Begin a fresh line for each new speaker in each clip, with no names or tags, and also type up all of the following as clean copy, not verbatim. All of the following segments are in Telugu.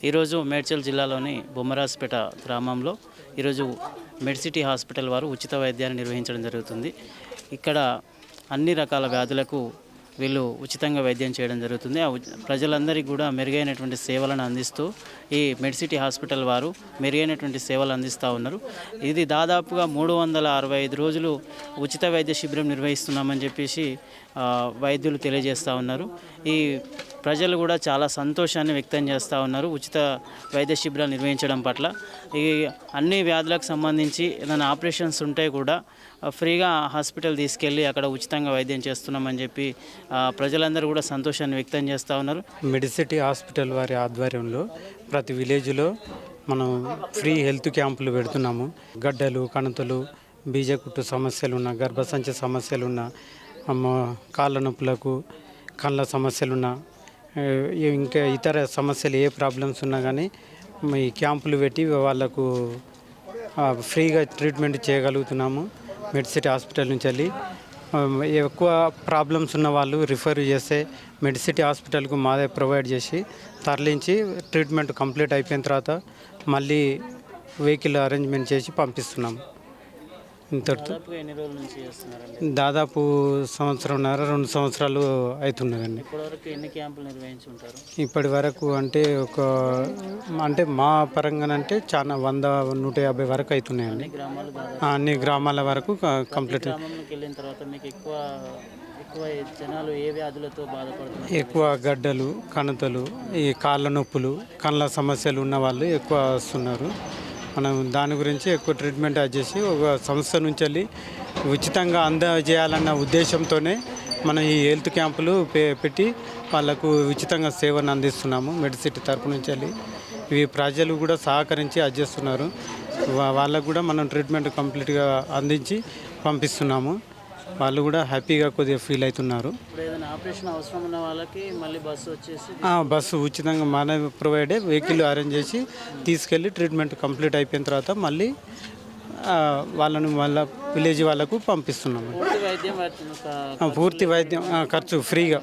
ఈరోజు మేడ్చల్ జిల్లాలోని బొమ్మరాజ్పేట గ్రామంలో ఈరోజు మెడ్సిటీ హాస్పిటల్ వారు ఉచిత వైద్యాన్ని నిర్వహించడం జరుగుతుంది. ఇక్కడ అన్ని రకాల వ్యాధులకు వీళ్ళు ఉచితంగా వైద్యం చేయడం జరుగుతుంది. ప్రజలందరికీ కూడా మెరుగైనటువంటి సేవలను అందిస్తూ ఈ మెడ్సిటీ హాస్పిటల్ వారు మెరుగైనటువంటి సేవలు అందిస్తూ ఉన్నారు. ఇది దాదాపుగా 365 రోజులు ఉచిత వైద్య శిబిరం నిర్వహిస్తున్నామని చెప్పేసి వైద్యులు తెలియజేస్తూ ఉన్నారు. ఈ ప్రజలు కూడా చాలా సంతోషాన్ని వ్యక్తం చేస్తూ ఉన్నారు ఉచిత వైద్య శిబిరాలు నిర్వహించడం పట్ల. ఈ అన్ని వ్యాధులకు సంబంధించి ఏదైనా ఆపరేషన్స్ ఉంటే కూడా ఫ్రీగా హాస్పిటల్ తీసుకెళ్ళి అక్కడ ఉచితంగా వైద్యం చేస్తున్నామని చెప్పి ప్రజలందరూ కూడా సంతోషాన్ని వ్యక్తం చేస్తూ ఉన్నారు.
మెడిసిటీ హాస్పిటల్ వారి ఆధ్వర్యంలో ప్రతి విలేజ్లో మనం ఫ్రీ హెల్త్ క్యాంపులు పెడుతున్నాము. గడ్డలు, కణతలు, బీజకుట్టు సమస్యలున్న, గర్భసంచి సమస్యలున్న, కాళ్ళ నొప్పులకు, కళ్ళ సమస్యలున్న, ఇంకా ఇతర సమస్యలు ఏ ప్రాబ్లమ్స్ ఉన్నా కానీ ఈ క్యాంపులు పెట్టి వాళ్ళకు ఫ్రీగా ట్రీట్మెంట్ చేయగలుగుతున్నాము. మెడ్సిటీ హాస్పిటల్ నుంచి వెళ్ళి ఎక్కువ ప్రాబ్లమ్స్ ఉన్న వాళ్ళు రిఫర్ చేస్తే మెడ్సిటీ హాస్పిటల్కు మాదే ప్రొవైడ్ చేసి తరలించి ట్రీట్మెంట్ కంప్లీట్ అయిపోయిన తర్వాత మళ్ళీ వెహికల్ అరేంజ్మెంట్ చేసి పంపిస్తున్నాము. ఇంతటితో దాదాపు 1.5 సంవత్సరాలు అవుతున్నదండి. ఇప్పటి వరకు అంటే మా పరంగానంటే చాలా 100-150 వరకు అవుతున్నాయండి. అన్ని గ్రామాల వరకు కంప్లీట్. ఎక్కువ గడ్డలు, కణతలు, ఈ కాళ్ళ నొప్పులు, కళ్ళ సమస్యలు ఉన్న వాళ్ళు ఎక్కువ వస్తున్నారు. మనం దాని గురించి ఎక్కువ ట్రీట్మెంట్ చేసి ఒక సంస్థ నుంచి వెళ్ళి ఉచితంగా అందజేయాలన్న ఉద్దేశంతోనే మనం ఈ హెల్త్ క్యాంపులు పెట్టి వాళ్ళకు ఉచితంగా సేవను అందిస్తున్నాము. మెడిసిటీ తరపు నుంచి వెళ్ళి ఇవి ప్రజలు కూడా సహకరించి చేస్తున్నారు. వాళ్ళకు కూడా మనం ట్రీట్మెంట్ కంప్లీట్గా అందించి పంపిస్తున్నాము. వాళ్ళు కూడా హ్యాపీగా కొద్దిగా ఫీల్ అవుతున్నారు. బస్సు ఉచితంగా మన ప్రొవైడే వెహికల్ అరేంజ్ చేసి తీసుకెళ్ళి ట్రీట్మెంట్ కంప్లీట్ అయిపోయిన తర్వాత మళ్ళీ వాళ్ళను మళ్ళీ విలేజ్ వాళ్ళకు పంపిస్తున్నాము. పూర్తి వైద్యం ఖర్చు ఫ్రీగా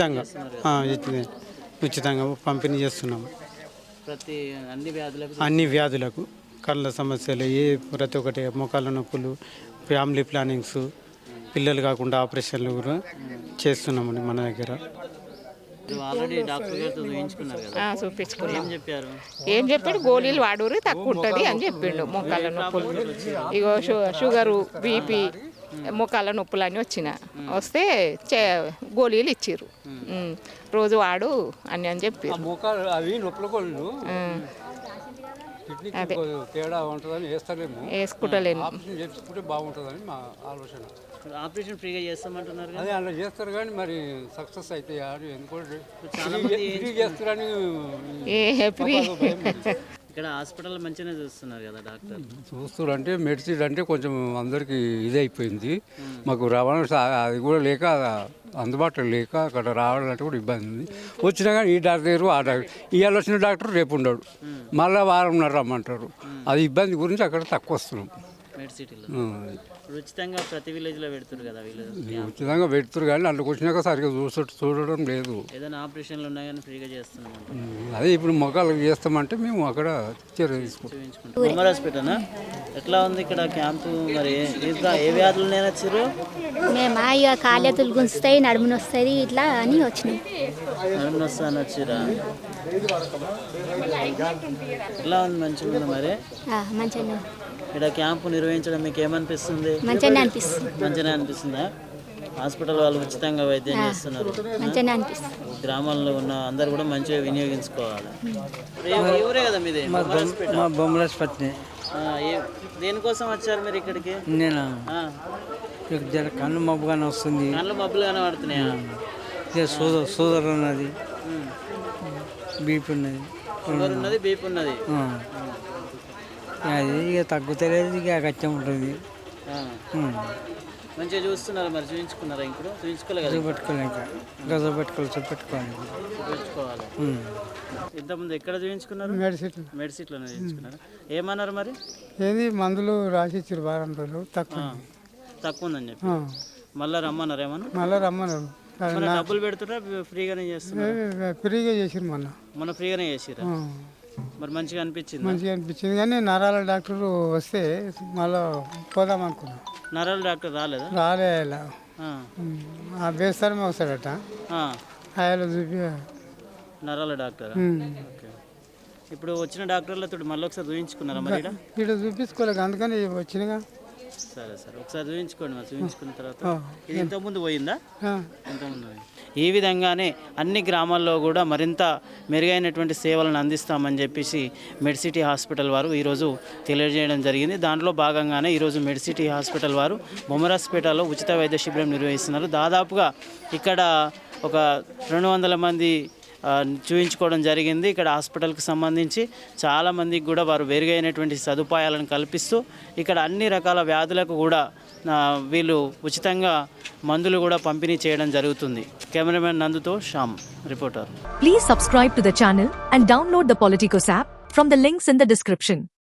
ఉచితంగా పంపిణీ చేస్తున్నాము. అన్ని వ్యాధులకు, కళ్ళ సమస్యలు, ప్రతి ఒక్కటి, మోకాళ్ళ నొప్పులు, ఫ్యామిలీ ప్లానింగ్స్, పిల్లలు కాకుండా ఆపరేషన్లు కూడా చేస్తున్నామండి మన దగ్గర.
ఏం చెప్పాడు, గోళీలు వాడూరి తక్కువ ఉంటుంది అని చెప్పిండు. మోకాళ్ళ నొప్పులు, ఇగో షుగరు, బీపీ, మోకాళ్ళ నొప్పులు అని వస్తే గోళీలు ఇచ్చిర్రు. రోజు వాడు అని చెప్పి అదే వేసుకుంటలేను.
బాగుంటుందని మా ఆలోచన.
ఆపరేషన్ ఫ్రీగా చేస్తామంటున్నారు.
అదే అలా చేస్తారు కానీ మరి సక్సెస్ అయితే ఎందుకంటే ఫ్రీ చేస్తారని
ఇక్కడ హాస్పిటల్ మంచిగానే చూస్తున్నారు కదా డాక్టర్.
చూస్తారు అంటే మెడిసిన్ అంటే కొంచెం అందరికీ ఇది అయిపోయింది. మాకు రవాణా అది కూడా లేక, అందుబాటులో లేక అక్కడ రావాలంటే కూడా ఇబ్బంది ఉంది. వచ్చినా కానీ ఈ డాక్టర్ దగ్గర ఆ డాక్టర్, ఇవాళ వచ్చిన డాక్టర్ రేపు ఉండడు, మళ్ళీ వారంన్నర రమ్మంటారు. అది ఇబ్బంది గురించి అక్కడ తక్కువ వస్తున్నాం.
ఉచితంగా ప్రతి విలేజ్లో పెడుతున్నారు కదా వీళ్ళు.
ఉచితంగా పెడుతున్నారు కానీ అందులోకి వచ్చినాక సరిగ్గా చూడడం లేదు.
ఏదైనా ఆపరేషన్లు ఉన్నా కానీ ఫ్రీగా చేస్తున్నాం.
అదే ఇప్పుడు మొక్కలు చేస్తామంటే మేము అక్కడ చర్య తీసుకుంటాం.
బొమ్మరాజ్పేటనా ఎట్లా ఉంది ఇక్కడ క్యాంపు? మరి ఏ వ్యాధులు నేను వచ్చారు?
మేము ఇక కాళ్ళెతులు గుంచుతాయి, నడుముని వస్తుంది ఇట్లా అని వచ్చినాయి.
నడుముని వస్తా అని వచ్చిరా? ఎట్లా ఉంది? మంచిగా ఉంది మరి.
మంచిగా
ఇక్కడ క్యాంపు నిర్వహించడం మీకు ఏమనిపిస్తుంది?
మంచిగానే అనిపిస్తుంది.
మంచిగానే అనిపిస్తుందా? హాస్పిటల్ వాళ్ళు ఉచితంగా వైద్యం చేస్తున్నారు.
మంచిగానే అనిపిస్తుంది.
గ్రామాల్లో ఉన్న అందరు కూడా మంచిగా వినియోగించుకోవాలి. ఊరే కదా మీది?
బొమ్మరాజ్పేట.
దేనికోసం వచ్చారు మీరు ఇక్కడికి?
నేను కళ్ళు మబ్బుగానే వస్తుంది.
కళ్ళు మబ్బులు కనబడుతున్నాయా?
షుగర్ ఉన్నది, బీపీ ఉన్నది.
షుగర్ ఉన్నది, బీపీ ఉన్నది.
అది ఇక తగ్గుతలేదు, ఇక కచ్చం ఉంటుంది.
మంచిగా చూస్తున్నారు మరి. చూపించుకున్నారా? ఇప్పుడు చూపించుకోలేదు. చూపించుకోవాలి. ఇంతకుముందు ఎక్కడ చూపించుకున్నారు? మెడిసిటీలోనే చూపించుకున్నారు. ఏమన్నారు మరి?
ఏది మందులు రాసి ఇచ్చారు, వారం రోజులు
తక్కువ ఉందని చెప్పి మళ్ళీ రమ్మన్నారు. ఏమన్నా
మళ్ళీ రమ్మన్నారు.
డబ్బులు పెడుతున్నా ఫ్రీగానే చేస్తున్నారు?
ఫ్రీగా చేసిరు. మొన్న
ఫ్రీగానే చేసిరా? మరి మంచిగా అనిపించింది.
మంచిగా అనిపించింది కానీ నరాల డాక్టర్ వస్తే మళ్ళీ పోదాం అనుకున్నాం.
నరాల డాక్టర్ రాలేదా?
రాలే ఇలా
ఆ,
ఆ బేస్తారమే వస్తాడట
ఆ,
ఆయన చూపి
నరాల డాక్టర్. ఓకే. ఇప్పుడు వచ్చిన డాక్టర్లతో మళ్ళీ ఒకసారి చూపించుకున్నారా మరి ఈడ?
ఇక్కడ చూపించుకోలేక అందుకని వచ్చినగా.
సరే సరే, ఒకసారి చూపించుకోండి. మరి చూపించుకున్న తర్వాత ఇది ఇంతకుముందు పోయిందా? ఇంతకుముందు పోయింది. ఈ విధంగానే అన్ని గ్రామాల్లో కూడా మరింత మెరుగైనటువంటి సేవలను అందిస్తామని చెప్పేసి మెడ్సిటీ హాస్పిటల్ వారు ఈరోజు తెలియజేయడం జరిగింది. దాంట్లో భాగంగానే ఈరోజు మెడ్సిటీ హాస్పిటల్ వారు బొమ్మరాజ్పేటలో ఉచిత వైద్య శిబిరం నిర్వహిస్తున్నారు. దాదాపుగా ఇక్కడ ఒక 200 మంది చూపించుకోవడం జరిగింది. ఇక్కడ హాస్పిటల్కి సంబంధించి చాలామందికి కూడా వారు మెరుగైనటువంటి సదుపాయాలను కల్పిస్తూ ఇక్కడ అన్ని రకాల వ్యాధులకు కూడా వీళ్ళు ఉచితంగా మందులు కూడా పంపిణీ చేయడం జరుగుతుంది. కెమెరామెన్ నందుతో Shyam, reporter.
Please subscribe to the channel and download the Politicos app from the links in the description.